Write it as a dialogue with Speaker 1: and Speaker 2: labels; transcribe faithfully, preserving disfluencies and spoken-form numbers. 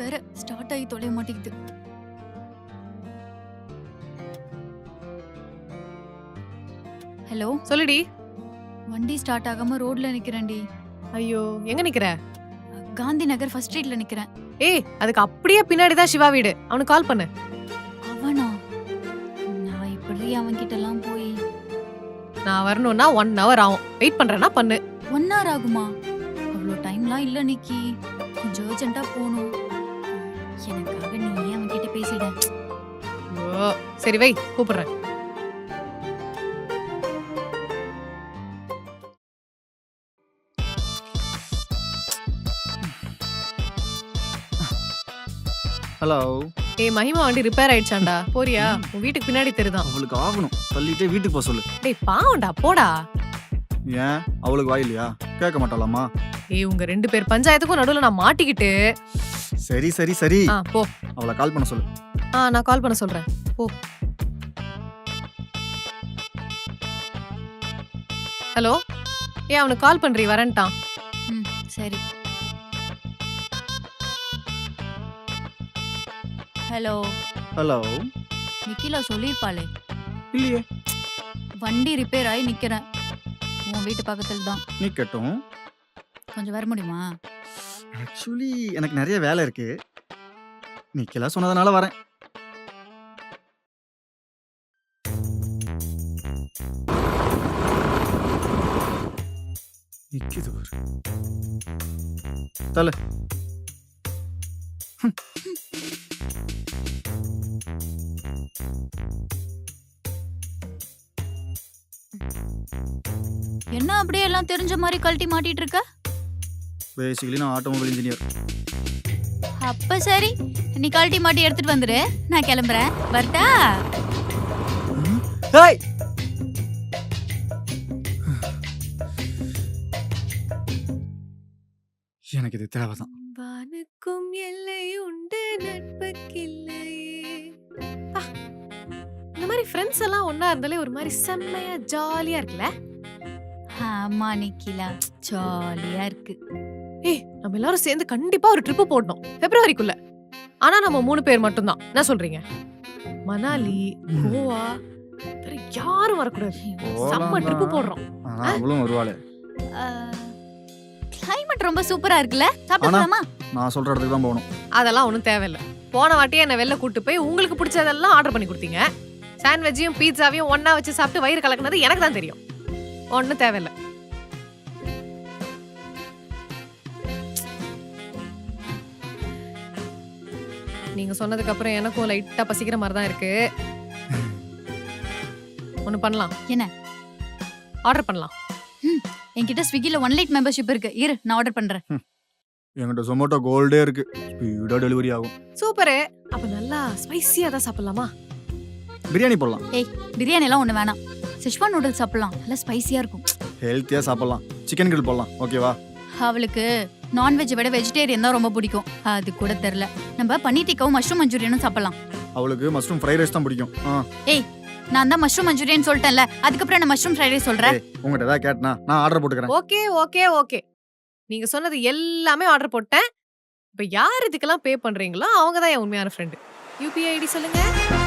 Speaker 1: வேற ஸ்டார்ட் ஆகி தொலைய மாட்டேங்குது. ஹலோ
Speaker 2: சொல்லுடி.
Speaker 1: வண்டி ஸ்டார்ட் ஆகாம ரோட்ல நிக்கிறேன்டி.
Speaker 2: ஐயோ எங்க நிக்கிற?
Speaker 1: காந்தி நகர் ஃபர்ஸ்ட் ஸ்ட்ரீட்ல நிக்கிறேன்.
Speaker 2: ஏய் அதுக்கு அப்படியே பின்னாடிதான் சிவா வீடு. அவனுக்கு கால் பண்ணு.
Speaker 1: அவனா? நான் இப்படி அவன் கிட்ட எல்லாம் போய்
Speaker 2: நான் வரணும்னா ஒன் ஹவர் ஆகும். வெயிட் பண்றேன்னா பண்ணு.
Speaker 1: ஒன் ஹவர் ஆகுமா? அவ்வளோ டைம்லாம் இல்ல நிக்கி. கொஞ்சம் அர்ஜென்ட்டா போகணும். எனக்காக நீ ஏன் அவன் கிட்ட பேசிட?
Speaker 2: ஓ சரி வை கூப்பிடுறேன்.
Speaker 3: ஹலோ.
Speaker 2: ஏய் மகிமா வண்டி ரிப்பேர் ஆயிடுச்சாண்டா. போறியா? உன் வீட்டுக்கு பின்னாடி தெரியுதான்.
Speaker 3: அவளுக்கு ஆகணும். தள்ளிட்டே வீட்டுக்கு போக சொல்லு.
Speaker 2: டேய் பாவம்டா போடா.
Speaker 3: ஏன் அவளுக்கு வாய் இல்லையா? கேட்க மாட்டாளாமா?
Speaker 2: ஏய் உங்க ரெண்டு பேர் பஞ்சாயத்துக்கும் நடுவுல நான் மாட்டிக்கிட்டு.
Speaker 3: சரி சரி சரி
Speaker 2: ஆ போ.
Speaker 3: அவளை கால் பண்ண சொல்லு.
Speaker 2: ஆ நான் கால் பண்ண சொல்றேன். போ. ஹலோ. ஏய் அவனுக்கு கால் பண்றீ வரேன்ட்டான்.
Speaker 1: ம் சரி. ஹலோ.
Speaker 3: ஹலோ.
Speaker 1: நிக்கிலா சொல்லிருப்பாளே.
Speaker 3: இல்லையே.
Speaker 1: வண்டி ரிப்பேர் ஆகி நிக்கிறேன். உன் வீட்டு பக்கத்துல தான்.
Speaker 3: நிக்கட்டும்.
Speaker 1: கொஞ்சம் வர முடியுமா?
Speaker 3: ஆக்சுவலி எனக்கு நிறைய வேலை இருக்கு. நிக்கலா சொன்னதுனால வரேன். நிக்குது பாரு. தல.
Speaker 1: என்ன அப்படியே எல்லாம் தெரிஞ்ச மாதிரி கழட்டி மாட்டிட்டு இருக்க?
Speaker 3: பேசிக்கலி நான் ஆட்டோமொபைல் இன்ஜினியர்.
Speaker 1: அப்ப சரி, நீ கழட்டி மாட்டி எடுத்துட்டு வந்துரு. நான் கிளம்புறேன். வரட்டா?
Speaker 3: ஏய் எனக்கு இது தேவைதான்.
Speaker 2: வானுக்கும் எல்லை உண்டு நட்புக்கில்லையே. பா, இந்த மாதிரி ஃப்ரெண்ட்ஸ் எல்லாம் ஒண்ணா இருந்தாலே ஒரு மாதிரி செம்மையா ஜாலியா இருக்குல்ல?
Speaker 1: ஆமா நிக்கிலா, ஜாலியா இருக்கு.
Speaker 2: ஏய் நம்ம எல்லாரும் சேர்ந்து கண்டிப்பா ஒரு ட்ரிப் போடணும் பிப்ரவரிக்குள்ள. ஆனா நம்ம மூணு பேர் மட்டும்தான். என்ன சொல்றீங்க? மணாலி, கோவா, வேற யாரும் வரக்கூடாது. செம்ம ட்ரிப் போடுறோம்.
Speaker 3: ஆனா அவளும் வருவாளே.
Speaker 1: கிளைமேட் ரொம்ப சூப்பரா இருக்குல்ல? சாப்பிடலாமா?
Speaker 3: நான் சொல்ற இடத்துக்கு தான் போகணும்.
Speaker 2: அதெல்லாம் ஒண்ணும் தேவையில்ல. போன வாட்டியே என்ன வெளில கூட்டு போய் உங்களுக்கு பிடிச்சதெல்லாம் ஆர்டர் பண்ணி கொடுத்தீங்க. சாண்ட்விச்சையும் பீட்சாவையும் ஒண்ணா வச்சு சாப்பிட்டு வயிறு கலக்குனது எனக்கு தான் தெரியும். ஒண்ணும் தேவையில்ல. நீங்க சொன்னதுக்கு அப்புறம் எனக்கும் லைட்டா பசிக்கிற மாதிரி தான் இருக்கு. ஒண்ணு பண்ணலாம்.
Speaker 1: என்ன?
Speaker 2: ஆர்டர் பண்ணலாம்.
Speaker 1: என்கிட்ட ஸ்விக்கில ஒன் லைட் மெம்பர்ஷிப் இருக்கு. இரு நான் ஆர்டர் பண்றேன்.
Speaker 3: என்கிட்ட ஜொமேட்டோ கோல்டே இருக்கு. ஸ்பீடா டெலிவரி ஆகும்.
Speaker 2: சூப்பர். அப்ப நல்லா ஸ்பைசியா தான் சாப்பிடலாமா?
Speaker 3: பிரியாணி போடலாம்.
Speaker 1: ஏய் பிரியாணி எல்லாம் ஒண்ணு வேணாம். செஷ்வான் நூடுல்ஸ் சாப்பிடலாம். நல்லா ஸ்பைசியா இருக்கும்.
Speaker 3: ஹெல்த்தியா சாப்பிடலாம். சிக்கன் கிரில் போடலாம். ஓகேவா?
Speaker 1: அவளுக்கு நான்வெஜ் விட வெஜிடேரியன் தான் ரொம்ப பிடிக்கும். அது கூட தெரியல. நம்ம பன்னீர் டிக்காவும் மஷ்ரூம் மஞ்சூரியனும் சாப்பிடலாம்.
Speaker 3: அவளுக்கு மஷ்ரூம் ஃப்ரைட் ரைஸ் தான் பிடிக்கும்.
Speaker 1: ஏய் நான் தான் மஷ்ரூம் மஞ்சூரியன் சொல்லிட்டேன்ல. அதுக்கப்புறம் நான் மஷ்ரூம் ஃப்ரைட் ரைஸ் சொல்றேன்.
Speaker 3: உங்ககிட்ட ஏதாவது கேட்டனா நான் ஆர்டர் போட்டுக்கிறேன்.
Speaker 2: Okay okay okay. நீங்க சொன்னது எல்லாமே ஆர்டர் போட்டேன். இப்ப யார் இதுக்கெல்லாம் பே பண்றீங்களோ அவங்க தான் என் உண்மையான ஃப்ரெண்டு. யூபிஐ ஐடி சொல்லுங்க.